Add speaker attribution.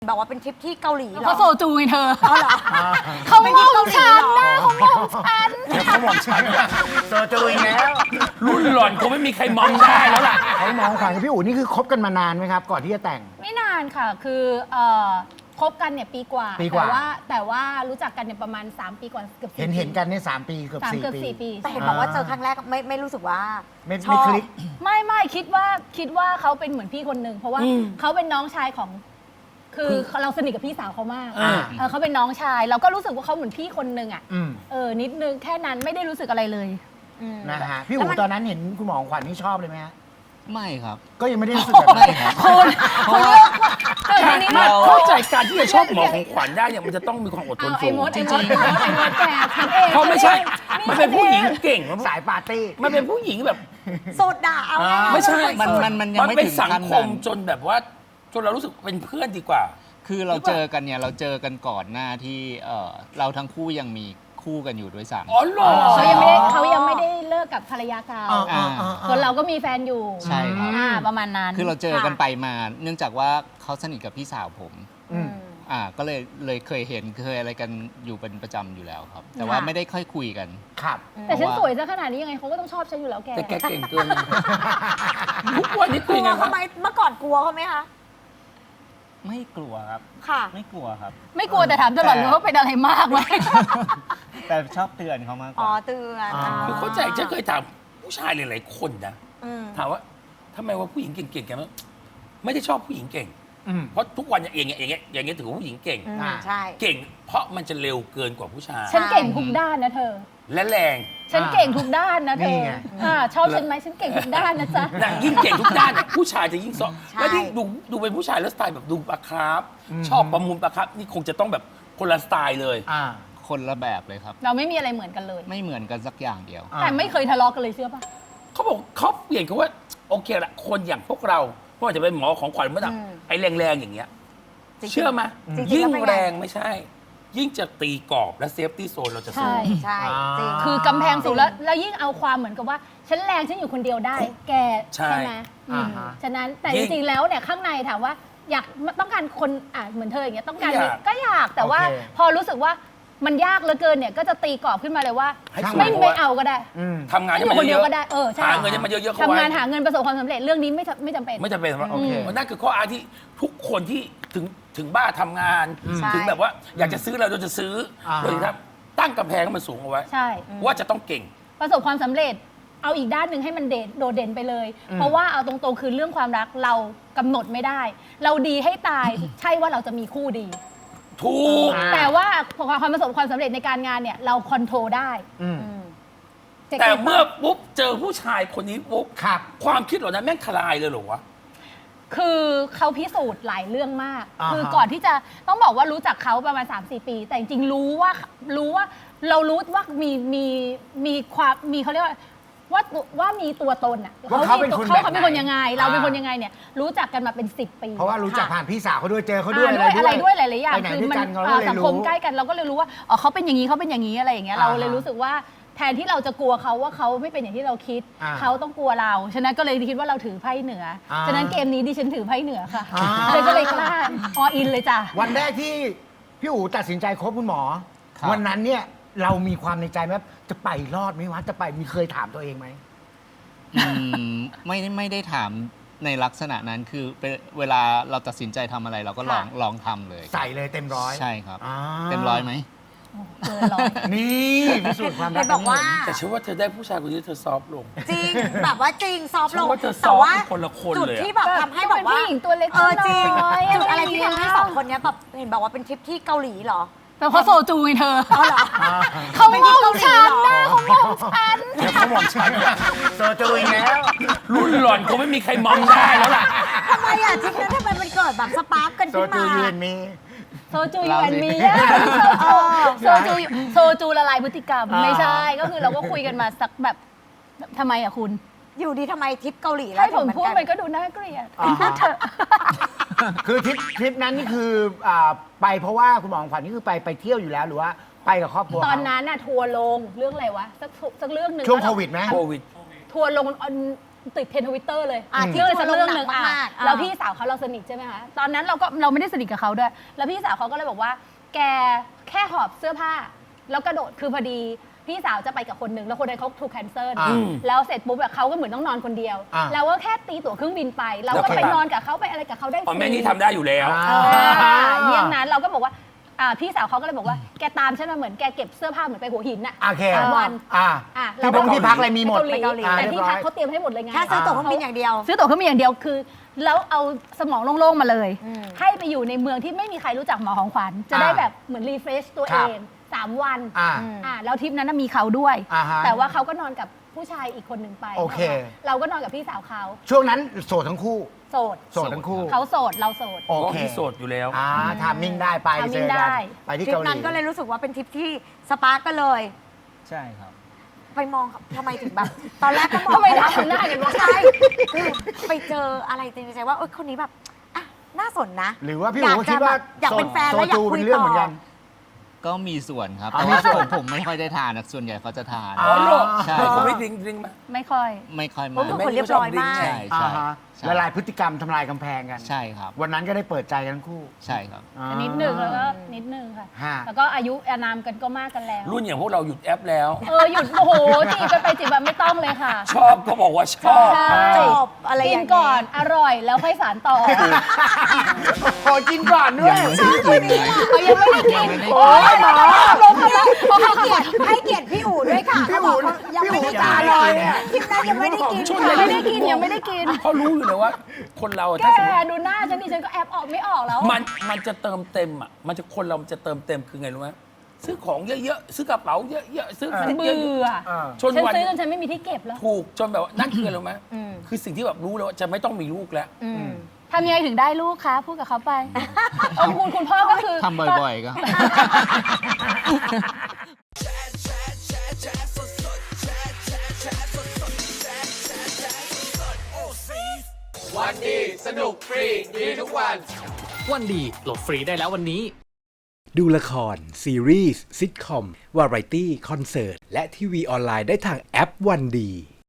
Speaker 1: บอกว่าเป็นทริปที่เกาหลีเหรอ
Speaker 2: เขาโซจูไงเธอ
Speaker 1: อ๋อเหรอ
Speaker 2: เขามองฉันนะเขามองฉัน
Speaker 3: เดี๋ยวเขามองฉันโซจูอีกแล้ว
Speaker 4: รุ่นหล่อนคงไม่มีใครมองได้แล้วล่ะ
Speaker 3: เขามองขวัญกับพี่อู๋นี่คือคบกันมานานไหมครับ ก่อนที่จะแต่ง
Speaker 2: ไม่นานค่ะ คือคบกันเนี่ยปีกว่า
Speaker 3: ปีกว่า
Speaker 2: แต่ว่ารู้จักกันเนี่ยประมาณ 3 ปีกว่าเกือบ4
Speaker 3: เห็นกันเนี่ย3 ปีเกือบ
Speaker 2: 3
Speaker 3: 4
Speaker 2: เกือบ
Speaker 3: ปี
Speaker 2: 4 ปี
Speaker 1: แต่เห็นบอกว่าเจอครั้งแรกไม่รู้สึกว่า
Speaker 3: ไม่
Speaker 1: ชอบ
Speaker 3: คลิก
Speaker 2: ไม่คิดว่าเขาเป็นเหมือนพี่คนหนึ่งเพราะว่าเขาเป็นน้องชายของคือเราสนิทกับพี่สาวเขามาก เขาเป็นน้องชายเราก็รู้สึกว่าเขาเหมือนพี่คนหนึ่งอ่ะ นิดนึงแค่นั้นไม่ได้รู้สึกอะไรเลย
Speaker 3: นะฮะพี่อู๋ตอนนั้นเห็นคุณหมอของขวัญนี่ชอบเลยไหมฮะ
Speaker 5: ไม่ครับ
Speaker 3: ก็ยังไม่ได้รู้สึกแบบนั้นครับ
Speaker 2: คุณเลือกว่าแต่ทีนี้
Speaker 4: มาเข้าใจการที่จะชอบหมอของขวัญได้เนี่ยมันจะต้องมีความอดทน
Speaker 2: เอา
Speaker 4: สู
Speaker 2: ไอ้
Speaker 4: ง
Speaker 2: มดแกทำเอง
Speaker 4: เพราะไม่ใช่ มันเป็นผู้หญิงเก่ง
Speaker 3: สายปาร์ตี้
Speaker 4: มันเป็นผู้หญิงแบบ
Speaker 1: สุดอ่ะเอาง่ายๆ
Speaker 4: ไม่ใช่
Speaker 5: มันยังไม่
Speaker 4: เป็น
Speaker 5: ถึง
Speaker 4: สัง
Speaker 5: ขั้น
Speaker 4: ค
Speaker 5: นั้
Speaker 4: ม
Speaker 5: น
Speaker 4: จนแบบว่าจนเรารู้สึกเป็นเพื่อนดีกว่า
Speaker 5: คือเราเจอกันเนี่ยเราเจอกันก่อนหน้าที่เราทั้งคู่ยังมีคู่กันอยู่ด้วยซ้ำ
Speaker 4: อ๋อเหรอ
Speaker 2: เขายังไม่ได้เลิกกับภรรยาเก่าส่วนเราก็มีแฟนอยู่
Speaker 5: ใช่ครับ
Speaker 2: ประมาณนั้น
Speaker 5: คือเราเจอกันไปมา เนื่องจากว่าเขาสนิทกับพี่สาวผม
Speaker 3: อืม
Speaker 5: ก็เลยเคยเห็นเคยอะไรกันอยู่เป็นประจำอยู่แล้วครับ แต่ว่าไม่ได้ค่อยคุยกัน
Speaker 3: ครับ
Speaker 2: แต่ฉันสวยซะขนาดนี้ยังไงเขาก็ต้องชอบฉันอยู่แล้วแก
Speaker 4: แต่แกเก่งเกินทุกวันนี้
Speaker 1: ก
Speaker 4: คือ
Speaker 1: ลั
Speaker 4: ยังไง
Speaker 1: ว
Speaker 4: ครั
Speaker 1: เขา
Speaker 4: บ
Speaker 1: ไหมเมื่อก่อนกลัวเขาไหมคะ
Speaker 5: ไม่กลัวครับ
Speaker 1: ค่ะ
Speaker 5: ไม่กลัวครับ
Speaker 2: ไม่กลัวแต่ถามตลอดเลยว่าเป็นอะไรมากไหม
Speaker 5: แต่ชอบเตือนเขามากก
Speaker 1: อ๋อ
Speaker 5: ว่า
Speaker 1: เตือน
Speaker 4: คือเข้าใจฉันเคยถามผู้ชายหลายๆคนนะ
Speaker 1: อืม
Speaker 4: ถามว่าทำไมว่าผู้หญิงเก่งๆแกไม่ได้ชอบผู้หญิงเก่ง
Speaker 3: อืม
Speaker 4: เพราะทุกวันอย่างเงี้ยถือว่าผู้หญิงเก่ง
Speaker 1: ใช่
Speaker 4: เก่ง เพราะมันจะเร็วเกินกว่าผู้ชาย
Speaker 2: ฉันเก่งทุกด้านนะเธอ
Speaker 4: และแรง
Speaker 2: ฉันเก่งทุกด้านนะเธ
Speaker 3: นี่
Speaker 2: อ
Speaker 3: ไง
Speaker 2: ชอบฉันไหมฉันเก่งทุกด้านนะจ๊ะ
Speaker 4: นางยิ่งเก่งทุกด้านอะผู้ชายจะยิ่งซ้อ
Speaker 1: ใช่
Speaker 4: แล้วที่ดูเป็นผู้ชายแล้วสไตล์แบบดูปลาคาร์ฟชอบประมูลปลาคาร์ฟนี่คงจะต้องแบบคนละสไตล์เลย
Speaker 3: อ่า
Speaker 5: คนละแบบเลยครับ
Speaker 2: เราไม่มีอะไรเหมือนกันเลย
Speaker 5: ไม่เหมือนกันสักอย่างเดียว
Speaker 3: อ่า
Speaker 2: แต่ไม่เคยทะเลาะกันเลยเชื่อป่ะ
Speaker 4: เขาบอกเขาเปลี่ยนเขาว่าโอเคละคนอย่างพวกเราไม่ว่าจะเป็นหมอของขวัญเมื่อไหร่ไอ้แรงๆอย่างเงี้ย
Speaker 1: จริงๆ
Speaker 4: เชื่อไหม
Speaker 1: จริงๆ
Speaker 4: ยิ่ง
Speaker 1: แล้วเป็นไง
Speaker 4: แรงไม่ใช่ ยิ่งจะตีกรอบและเซฟตี้โซนเราจะสู้
Speaker 2: ใช่
Speaker 1: ใช่จริง
Speaker 2: คือกำแพงสูงแล้วยิ่งเอาความเหมือนกับว่า ฉันแรงฉันอยู่คนเดียวได้ แก
Speaker 4: ใช่
Speaker 2: ไหมอืม
Speaker 3: อ่าฮะ
Speaker 2: ฉะนั้นแต่
Speaker 4: ยิ่
Speaker 2: จ
Speaker 4: ง
Speaker 2: ริงๆแล้วเนี่ยข้างในถามว่าอยากต้องการคนเหมือนเธออย่างเงี้ยต้องการ
Speaker 4: อยาก
Speaker 2: ก็อยากแต่ว่า
Speaker 3: โอเค
Speaker 2: พอรู้สึกว่ามันยากเหลือเกินเนี่ยก็จะตีกรอบขึ้นมาเลยว่า
Speaker 4: ให้สู้
Speaker 2: ไม่
Speaker 4: เพราะ
Speaker 2: ไม่
Speaker 4: ว่า
Speaker 2: เอาก็ได้
Speaker 3: อืม
Speaker 4: ทำงาน
Speaker 2: อ
Speaker 4: ให้
Speaker 2: ยู่
Speaker 4: มัน
Speaker 2: คนเดี
Speaker 4: เย
Speaker 2: ยว
Speaker 4: อะ
Speaker 2: ก็ได้ใช่
Speaker 4: หาเงินให้มันเยอะๆเข้า
Speaker 2: ทำ
Speaker 4: ไว้
Speaker 2: งานหาเงินประสบความสำเร็จเรื่องนี้ไม่จำเป็น
Speaker 4: ไม่จำเป็นสำหรับ
Speaker 3: โอเค
Speaker 4: นั่นคือข้ออ้างที่ทุกคนที่ถึงบ้าทำงาน
Speaker 1: ใช่
Speaker 4: ถึงแบบว่าอยากจะซื้ออะไรเราจะซื้อโดยที่ตั้งกำแพงให้มันสูงเอาไว้
Speaker 2: ใช่
Speaker 4: ว่าจะต้องเก่ง
Speaker 2: ประสบความสำเร็จเอาอีกด้านหนึ่งให้มันโดดเด่นไปเลย เพราะว่าเอาตรงๆคือเรื่องความรักเรากำหนดไม่ได้ เราดีให้ตาย ใช่ว่าเราจะมีคู่ดี
Speaker 4: ถูก
Speaker 2: แต่ว่าความประสบความสำเร็จในการงานเนี่ยเราคอนโทรลได้
Speaker 3: อืม
Speaker 2: จะ
Speaker 4: แต่
Speaker 2: คิดว่า
Speaker 4: เมื่อปุ๊บเจอผู้ชายคนนี้ปุ๊บ
Speaker 3: ครับ
Speaker 4: ความคิดเหล่านั้นแม่งทลายเลยเหรอวะ
Speaker 2: คือเขาพิสูจน์หลายเรื่องมาก
Speaker 3: อ่าฮะ
Speaker 2: คือก่อนที่จะต้องบอกว่ารู้จักเขาประมาณ 3-4 ปี แต่จริงๆรู้ว่าเรารู้ว่ามีความมีเขาเรียกว่ามีตัวตนอ่ะ
Speaker 3: ว่าเขาเป็นคนแบบไหน
Speaker 2: เขาเป็นคนยังไง เราเป็นคนยังไงเนี่ยรู้จักกันมาเป็น 10 ปี
Speaker 3: เพราะว่ารู้จักผ่านพี่สาวเขาด้วยเจอเขา
Speaker 2: อ่า
Speaker 3: ด้วย
Speaker 2: ด้วยอะไรด้วยหลายๆอย่าง
Speaker 3: ไปไหน
Speaker 2: คือ
Speaker 3: ด้วย
Speaker 2: มั
Speaker 3: กันเขา
Speaker 2: อ่า
Speaker 3: เลย
Speaker 2: สังค
Speaker 3: รู้
Speaker 2: มใกล้กันเราก็เลยรู้ว่าอ๋อเขาเป็นอย่างนี้เขาเป็นอย่างนี้อะไรอย่างเงี้ยเราเลย
Speaker 3: อ่าฮะ
Speaker 2: รู้สึกว่าแทนที่เราจะกลัวเขาว่าเขาไม่เป็นอย่างที่เราคิด
Speaker 3: อ่า
Speaker 2: เขาต้องกลัวเราฉะนั้นก็เลยคิดว่าเราถือไพ่เหนืออา ฉะนั้นเกมนี้ดิฉันถือไพ่เหนือค่ะ
Speaker 3: อ่า
Speaker 2: เลยก็เลยกล้าออินเลยจ้ะ
Speaker 3: วันแรกที่พี่อู๋ตัดสินใจคบคุณหมอ
Speaker 5: ครับ
Speaker 3: วันนั้นเนี่ยเรามีความในใจไหมจะไปรอดไหมวะจะไปมีเคยถามตัวเองไหม
Speaker 5: ไม่ได้ถามในลักษณะนั้นคือเวลาเราตัดสินใจทำอะไรเราก็ลองทำเลย
Speaker 3: ใส่เลยเต็มร้อย
Speaker 5: ใช่ครับ
Speaker 3: อ่า
Speaker 5: เต็มร้อยไหม
Speaker 2: เกินร้อย
Speaker 3: นี่พิสูจน์ความรั
Speaker 1: เห็
Speaker 3: ก
Speaker 1: นบอกว่า
Speaker 4: แต่ฉันว่าเธอได้ผู้ชายคนนี้เธอซอฟต์ลง
Speaker 1: จริงแบบว่าจริงซอฟต์ลง
Speaker 4: ฉันว่าเธอซ
Speaker 1: แต่
Speaker 4: อฟต์
Speaker 1: ว่า
Speaker 4: เป็นคนละคน
Speaker 1: จุด
Speaker 4: เลยอะ
Speaker 1: ที่แบบทำให้แบบว่า
Speaker 2: เป็นผู้หญิงตัวเล็ก
Speaker 1: จริง
Speaker 2: น้อยๆ
Speaker 1: จุดอะไร
Speaker 2: อะไรอย่าง
Speaker 1: ที่
Speaker 2: เงี้ย
Speaker 1: ทำให้สองคนเนี้ยแบบเห็นบอกว่าเป็นทริปที่เกาหลีเหรอ
Speaker 2: แต่เขาโซจูไงเธอ
Speaker 1: อ๋อเหรอ
Speaker 2: เขามองฉันนะเขามองฉัน
Speaker 3: เดี๋ยวเขามองฉันโซจูอีกแล้ว
Speaker 4: รุ่นหล่อนคงไม่มีใครมองได้แล้วล่ะ
Speaker 1: ทำไมอ่ะทริปนั้นทำไมมันเกิดแบบสปาร์กกัน
Speaker 3: โซ
Speaker 1: ขึ้น
Speaker 3: จู
Speaker 1: มา
Speaker 3: ยืนมี
Speaker 2: โซจูยูแอนมีโซจูละลายพฤติกรรม ไม่ใช่ก็คือเราก็คุยกันมาสักแบบทำไมอะคุณ
Speaker 1: อยู่ดีทำไมทริปเกาหลีแล้ว
Speaker 2: ให้ผม
Speaker 1: ถึง
Speaker 2: พูด
Speaker 1: กัน
Speaker 2: มันก็ดูน่าเกลียด
Speaker 3: อ่าฮะ
Speaker 2: พูดเถอะ
Speaker 3: คือทริปนั้นนี่คือไปเพราะว่าคุณหมอของขวัญนี่คือไปเที่ยวอยู่แล้วหรือว่าไปกับครอบครัว
Speaker 2: ตอน
Speaker 3: เขา
Speaker 2: นั้นน่ะทัวร์ลงเรื่องอะไรวะสักเรื่องหนึ่ง
Speaker 3: ช่วงโควิดไหม
Speaker 4: โควิด
Speaker 2: ทัวร์ลงติดเทรนด์ Twitter เลย
Speaker 1: ที่
Speaker 2: เรื่องสักเรื่องหนึ่ง
Speaker 1: ทัวร์ลงหนักมากๆ
Speaker 2: แล้วพี่สาวเขาเราสนิทใช่ไหมคะตอนนั้นเราไม่ได้สนิทกับเขาด้วย แล้วพี่สาวเขาก็เลยบอกว่า แกแค่หอบเสื้อผ้า แล้วกระโดดคือพอดีพี่สาวจะไปกับคนหนึ่งแล้วคนนั้นเขาถูกแคนเซิลแล้วเสร็จปุ๊บแบบเขาก็เหมือนต้องนอนคนเดียวเราก็แค่ตีตั๋วเครื่องบินไปเราก็ไปนอนกับเขาไปอะไรกับเขาได้ฟ
Speaker 4: อ๋อ
Speaker 2: รี
Speaker 4: แม่นี่ทำได้อยู่แล้ว
Speaker 2: เยี่ยงนั้นเราก็บอกว่าพี่สาวเขาก็เลยบอกว่าแกตามฉันมาเหมือนแกเก็บเสื้อผ้าเหมือนไปหัวหินน่ะ
Speaker 3: โอเค
Speaker 2: 3 วัน
Speaker 3: ที่พงที่พักอะไรมีหมด
Speaker 2: ไปเกาหลีแต่ที่พักเขาเตรียมให้หมดเลยไง
Speaker 1: แค่ซื้อตั๋วเครื่องบินอย่างเดียว
Speaker 2: ซื้อตั๋วเครื่องบินอย่างเดียวคือ แล้วเอาสมองโล่งๆมาเลย ให้ไปอยู่ในเมืองที่ไม่มีใครรู้จักหมอของขวัญจะได้แบบเหมือนรีเฟรชตัวเอง3 วันแล้วทริปนั้นมีเขาด้วย แต่ว่าเขาก็นอนกับผู้ชายอีกคนหนึ่งไป
Speaker 3: โอเค
Speaker 2: เราก็นอนกับพี่สาวเขา
Speaker 3: ช่วงนั้นโสดทั้งคู่
Speaker 2: โสด
Speaker 3: โสดทั้งคู่
Speaker 2: เขาโสดเราโสด
Speaker 3: โอ
Speaker 4: ก็
Speaker 3: เค
Speaker 4: ที่โสดอยู่แล้ว
Speaker 3: ทามมิ่งได้ไป
Speaker 2: ทามมิ่
Speaker 3: เจอง
Speaker 2: ได้
Speaker 3: กันไปที่
Speaker 1: ทริป
Speaker 3: เกาหลี
Speaker 1: นั้นก็เลยรู้สึกว่าเป็นทริปที่สปาร์กกันเลย
Speaker 5: ใช่ครับ
Speaker 1: ไปมองทำไมถึงแบบ ตอนแรกก็มอง
Speaker 2: ทำไมทำหน้าอย่างนั้น
Speaker 1: ใช่คือไปเจออะไรในใจว่าคนนี้แบบอ่ะน่าสนนะ
Speaker 3: หรือว่าพี่อู๋ก็คิดว่า
Speaker 1: อยากเป็นแฟนแล้วอยากคุย
Speaker 3: เป็นเรื่อง
Speaker 1: ต่
Speaker 3: เหมือนกั
Speaker 1: อ
Speaker 3: น
Speaker 5: ก็มีส่วนครับ
Speaker 3: อ๋อ
Speaker 5: แต่ว่า
Speaker 3: มีส่วน
Speaker 5: ผมไม่ค่อยได้ทานนะส่วนใหญ่เขาจะทาน
Speaker 3: อ๋
Speaker 4: อ๋อเหรอ
Speaker 5: ใช่
Speaker 4: เขาไม่ดิ้งไหม
Speaker 2: ไม่ค่อย
Speaker 5: ไม่ค่อย
Speaker 1: ผม
Speaker 5: มา
Speaker 1: เป็นคนเรียบร้อยมาก
Speaker 5: ใช่
Speaker 3: อ่า
Speaker 5: ใช่
Speaker 3: ฮะ
Speaker 5: ใช่
Speaker 3: ละลายพฤติกรรมทำลายกำแพงกัน
Speaker 5: ใช่ครับ
Speaker 3: วันนั้นก็ได้เปิดใจกันทั้งคู่
Speaker 5: ใช่ครับ
Speaker 2: นิดหนึ่งแล้วก็นิดหนึ่งค่ะ
Speaker 3: ฮะ
Speaker 2: แล้วก็อายุอานามกันก็มากกันแล้ว
Speaker 4: รุ่นอย่างพวกเราหยุดแอปแล้ว
Speaker 2: หยุดโอ้โหจีบกันไปจีบแบบไม่ต้องเลยค่ะ
Speaker 4: ชอบก็บอกว่าชอบ
Speaker 2: ใช่
Speaker 1: จบอะไรอย่าง
Speaker 2: กิ
Speaker 1: นี้
Speaker 2: นก่อนอร่อยแล้วค่อยสารต่อ
Speaker 3: โอ้กินก่อนด้วย
Speaker 5: ยังไม่ได้กิน
Speaker 2: ยังไม่ได้กิน
Speaker 3: โอ้ยหมอ
Speaker 1: ให้เกียรติพี่อู๋ด้วยค่ะ
Speaker 3: พี่
Speaker 1: เขา
Speaker 3: อู๋
Speaker 1: บอกว่ายังไม่ได้
Speaker 3: พี่อู๋ตาลอยเนี่ย
Speaker 1: คลิปนั้นยังไม่ได้กิน
Speaker 4: ช่วย
Speaker 2: ยังไม่ได้กินยังไม่ได้กิน
Speaker 4: เขารู้อยู่เลยว่า คนเรา
Speaker 2: แก
Speaker 4: ถ้าสมมติ
Speaker 2: ดูหน้าฉันดิฉันก็แอบออกไม่ออกแล้ว
Speaker 4: มันจะเติมเต็มอ่ะมันจะคนเรามันจะเติมเต็มคือไงรู้ไหมซื้อของเยอะๆซื้อกระเป๋าเยอะๆซื้อ
Speaker 2: มัน
Speaker 4: เย
Speaker 2: เบื่อ
Speaker 4: อะๆจ
Speaker 2: ฉั
Speaker 4: น
Speaker 2: น
Speaker 4: วัน
Speaker 2: ซื้อจนฉันไม่มีที่เก็บแล้ว
Speaker 4: ถูกจนแบบว่านั่นคืออะไรรู้ไหมคือสิ่งที่แบบรู้แล้วว่าจะไม่ต้องมีลูกแล้ว
Speaker 2: ทำยังไงถึงได้ลูกคะพูดกับเขาไปคุณพ่อก็คือ
Speaker 5: ทำบ่อยๆก็
Speaker 6: วันดีสนุกฟรีดีทุกวัน
Speaker 7: วันดีโหลดฟรีได้แล้ววันนี้
Speaker 8: ดูละคร ซีรีส์ซิทคอม วาไรตี้ คอนเสิร์ต และทีวีออนไลน์ได้ทางแอปวันดี